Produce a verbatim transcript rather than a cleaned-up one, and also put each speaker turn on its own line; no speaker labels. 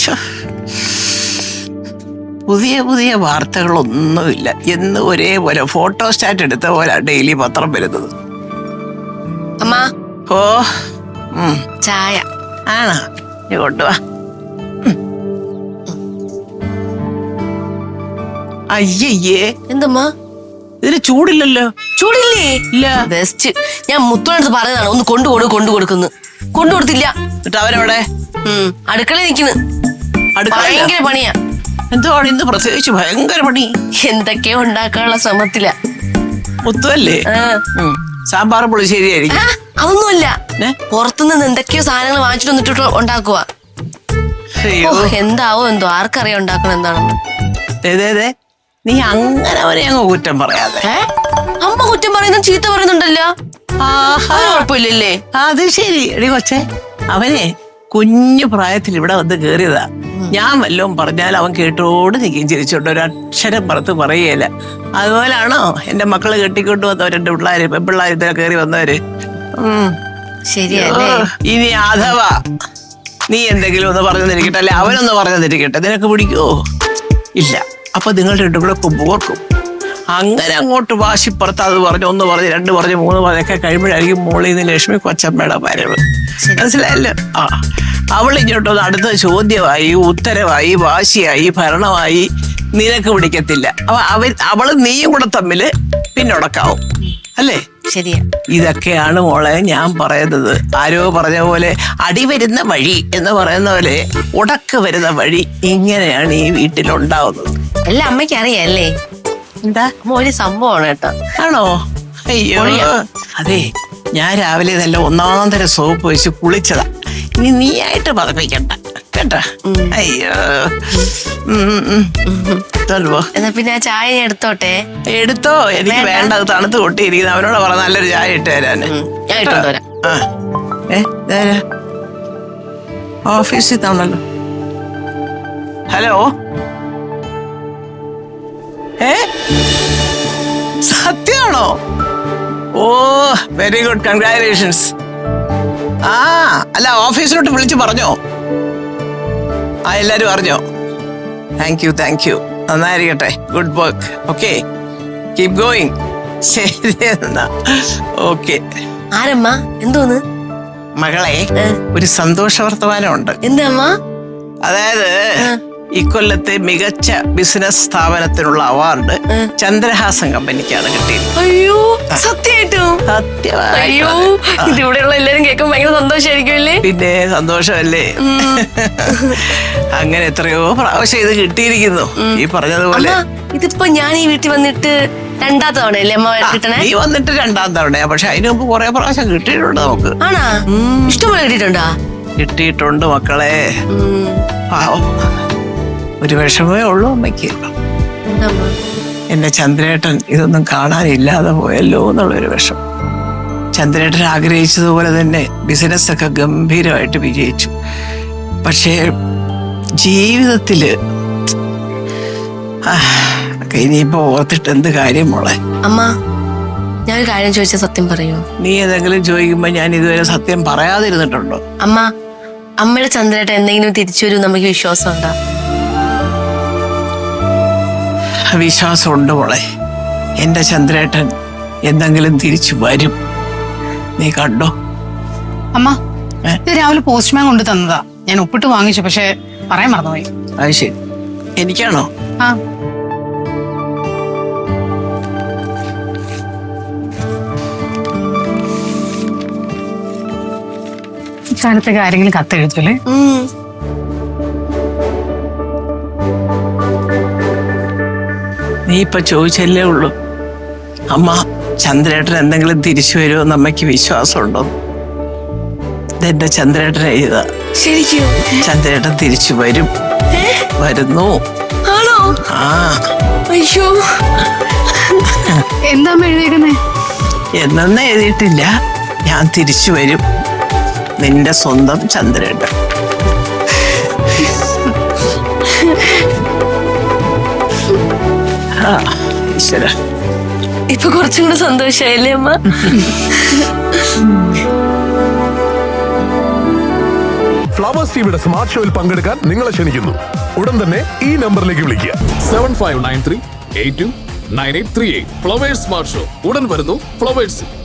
പുതിയ പുതിയ വാർത്തകളൊന്നുമില്ല. എന്ന് ഒരേപോലെ ഫോട്ടോ സ്റ്റാറ്റ് എടുത്ത പോലെ ഡെയിലി പത്രം വരുന്നത്.
അമ്മ
ഓ
ചായ
ആണോ? നീ കൊണ്ടുവാ. അയ്യയ്യേ,
എന്തമ്മ
ഇതിന് ചൂടില്ലല്ലോ.
ചൂടില്ലേ?
ഇല്ല.
ബെസ്റ്റ്. ഞാൻ മുത്തോടത്ത് പറഞ്ഞതാണ് ഒന്ന് കൊണ്ടുകൊടു കൊണ്ടു കൊടുക്കുന്നു. കൊണ്ടു കൊടുത്തില്ല.
എന്നിട്ട് അവരവിടെ
അടുക്കള നിക്കുന്നു. ഭയങ്കര പണിയാ.
എന്തുവാണ് ഇന്ന് പ്രത്യേകിച്ച് ഭയങ്കര പണി?
എന്തൊക്കെയോ ഉണ്ടാക്കാനുള്ള ശ്രമത്തില.
മുത്തുവല്ലേ? സാമ്പാർ പുളിശ്ശേരി ആയിരിക്കും.
അതൊന്നുമല്ല, പുറത്തുനിന്ന് എന്തൊക്കെയോ സാധനങ്ങൾ വാങ്ങിച്ചിട്ട് വന്നിട്ട് ഉണ്ടാക്കുക. എന്താവോ എന്തോ, ആർക്കറിയാം ഉണ്ടാക്കണം എന്താണെന്ന്.
നീ അങ്ങനെ അവനെ അങ്ങ് കുറ്റം പറയാതെ.
അമ്മ കുറ്റം പറയുന്ന ചീത്ത പറയുന്നുണ്ടല്ലോ. കുഴപ്പമില്ലല്ലേ?
അത് ശരി. എടി കൊച്ചേ, അവനെ കുഞ്ഞു പ്രായത്തിൽ ഇവിടെ വന്ന് കേറിയതാ. ഞാൻ വല്ലതും പറഞ്ഞാൽ അവൻ കേട്ടോട് നിൽക്കും ചിരിച്ചോണ്ട്, ഒരു അക്ഷരം പുറത്ത് പറയുകയില്ല. അതുപോലാണോ എന്റെ മക്കള് കെട്ടിക്കൊണ്ട് വന്നവർ, എന്റെ പിള്ളേര് പെൺപിള്ളേർ ഇതിൽ കയറി വന്നവര്. ഉം
ശരിയല്ലേ?
ഇനി അഥവാ നീ എന്തെങ്കിലും ഒന്ന് പറഞ്ഞു തന്നിരിക്കട്ടെ, അല്ലെ അവനൊന്ന് പറഞ്ഞു തന്നിരിക്കട്ടെ, നിനക്ക് പിടിക്കുവോ? ഇല്ല. അപ്പൊ നിങ്ങൾ രണ്ടും കൂടെ കൊമ്പോർക്കും. അങ്ങനെ അങ്ങോട്ട് വാശിപ്പുറത്ത് അത് പറഞ്ഞു, ഒന്ന് പറഞ്ഞ് രണ്ട് പറഞ്ഞ് മൂന്ന് പറഞ്ഞൊക്കെ കഴിയുമ്പോഴായിരിക്കും മോളിൽ നിന്ന് ലക്ഷ്മി കൊച്ചമ്മയുടെ വരവ്. മനസ്സിലായല്ലോ? ആ, അവൾ ഇങ്ങോട്ടൊന്ന് അടുത്ത ചോദ്യമായി, ഉത്തരവായി, വാശിയായി, ഭരണമായി നിനക്ക് പിടിക്കത്തില്ല. അപ്പൊ അവൻ അവളും നീയും കൂടെ തമ്മില് പിന്നൊടക്കാവും, അല്ലേ?
ശരിയാ.
ഇതൊക്കെയാണ് മോളെ ഞാൻ പറയുന്നത്. ആരോ പറഞ്ഞ പോലെ അടി വരുന്ന വഴി എന്ന് പറയുന്ന പോലെ ഉടക്ക് വരുന്ന വഴി ഇങ്ങനെയാണ് ഈ വീട്ടിലുണ്ടാവുന്നത്.
എല്ലാം അമ്മയ്ക്ക് അറിയാല്ലേ?
എന്താ
ഒരു സംഭവമാണ് കേട്ടോ.
ആണോ? അയ്യോ, അതെ, ഞാൻ രാവിലെ നല്ല ഒന്നാം തരം സോപ്പ് വെച്ച് കുളിച്ചതാ. ഇനി നീ ആയിട്ട് പതപ്പിക്കണ്ട കേട്ടാ. അയ്യോ,
എന്നാ പിന്നെ ആ ചായ എടുത്തോട്ടെ.
എടുത്തോ. എനിക്ക് വേണ്ട, അത് തണുത്ത് കൊട്ടിയിരിക്കുന്നു. അവനോട് പറ നല്ലൊരു ചായ ഇട്ട് തരാന്. ഓഫീസിൽ താണല്ലോ. ഹലോ, ഏ സത്യമാണോ? ഓ, വെരി ഗുഡ്, കൺഗ്രാറ്റുലേഷൻസ്. ആ, അല്ല, ഓഫീസിലോട്ട് വിളിച്ച് പറഞ്ഞോ? ആ, എല്ലാരും അറിഞ്ഞോ? Thank you, thank you. നന്നായിരിക്കട്ടെ. Good work. Okay, keep going. ശരി എന്നാ. ഓക്കെ.
ആരമ്മ? എന്തോന്ന്?
മകളെ, ഒരു സന്തോഷ വർത്തമാനമുണ്ട്.
എന്താ?
അതായത് ഇക്കൊല്ലത്തെ മികച്ച ബിസിനസ് സ്ഥാപനത്തിനുള്ള അവാർഡ് ചന്ദ്രഹാസൻ കമ്പനിക്കാണ് കിട്ടിയത്.
അയ്യോ, സത്യമായിട്ടും?
സത്യമായി.
അയ്യോ, ഇതിവിടെയുള്ള എല്ലാരും കേൾക്കുമ്പോൾ ഭയങ്കര സന്തോഷമായിരിക്കുമല്ലേ?
പിന്നെ സന്തോഷമല്ലേ? അങ്ങനെ എത്രയോ പ്രാവശ്യം ഇത് കിട്ടിയിരിക്കുന്നു. ഈ പറഞ്ഞതുപോലെ
ഇതിപ്പോ ഞാൻ ഈ വീട്ടിൽ വന്നിട്ട് രണ്ടാം തവണയല്ലേ അമ്മ കിട്ടണേ?
നീ വന്നിട്ട് രണ്ടാം തവണയാ. പക്ഷെ അതിനു മുമ്പ് കുറെ പ്രാവശ്യം കിട്ടിയിട്ടുണ്ട് നമുക്ക്.
ആണാ? ഇഷ്ടംപോലെ കിട്ടിയിട്ടുണ്ടാ?
കിട്ടിയിട്ടുണ്ട് മക്കളെ. പാവം, ഒരു വിഷമേ ഉള്ളൂ അമ്മയ്ക്ക്. എന്റെ ചന്ദ്രേട്ടൻ ഇതൊന്നും കാണാനില്ലാതെ പോയല്ലോ എന്നുള്ളൊരു വിഷമം. ചന്ദ്രേട്ടൻ ആഗ്രഹിച്ചതുപോലെ തന്നെ ബിസിനസ് ഒക്കെ ഗംഭീരമായിട്ട് വിജയിച്ചു. പക്ഷേ ജീവിതത്തില് ഇനിയിപ്പോ ഓർത്തിട്ട് എന്ത് കാര്യം മോളെ?
അമ്മ, ഞാൻ കാര്യം ചോദിച്ച സത്യം പറയൂ.
നീ ഏതെങ്കിലും ചോദിക്കുമ്പോ ഞാൻ ഇതുവരെ സത്യം പറയാതിരുന്നിട്ടുണ്ടോ?
അമ്മ, അമ്മയുടെ ചന്ദ്രേട്ടൻ എന്തെങ്കിലും തിരിച്ചു വരും നമുക്ക് വിശ്വാസം ഉണ്ടോ?
വിശ്വാസമുണ്ട് മോളെ. എന്റെ ചന്ദ്രേട്ടൻ എന്തെങ്കിലും തിരിച്ചു വരും, നീ കണ്ടോ?
അമ്മ, ഇത് രാവിലെ പോസ്റ്റ്മാൻ കൊണ്ട് തന്നതാ. ഞാൻ ഒപ്പിട്ട് വാങ്ങിച്ചു, പക്ഷെ പറയാൻ മറന്നുപോയി.
അത് ശരി. എനിക്കാണോ?
ആ, ഇക്കാലത്തേക്ക് ആരെങ്കിലും കത്തെഴുതൂലേ?
നീ ഇപ്പൊ ചോദിച്ചല്ലേ ഉള്ളൂ. അമ്മ, ചന്ദ്രേട്ടൻ എന്തെങ്കിലും തിരിച്ചു വരുമോ എന്ന് അമ്മയ്ക്ക് വിശ്വാസമുണ്ടോ? ഇതെന്റെ ചന്ദ്രേട്ടൻ എഴുതാ.
ശരിക്കും
ചന്ദ്രേട്ടൻ തിരിച്ചു വരും. വരുന്നു.
ആണോ?
ആ.
അയ്യോ,
എന്താ എഴുതിയേക്കുന്നേ?
എന്നൊന്നും എഴുതിയിട്ടില്ല. ഞാൻ തിരിച്ചു വരും, നിന്റെ സ്വന്തം ചന്ദ്രേട്ടൻ. ഈശ്വര,
ഇപ്പൊ കുറച്ചും കൂടെ സന്തോഷായില്ലേ അമ്മ?
ഫ്ലവേഴ്സ് ടിവിയുടെ സ്മാർട്ട് ഷോയിൽ പങ്കെടുക്കാൻ നിങ്ങളെ ക്ഷണിക്കുന്നു. ഉടൻ തന്നെ ഈ നമ്പറിലേക്ക് വിളിക്കുക.
Seven five nine three eight two nine eight three eight. Flowers smart show ഉടൻ വരുന്നു ഫ്ലവേഴ്സ്.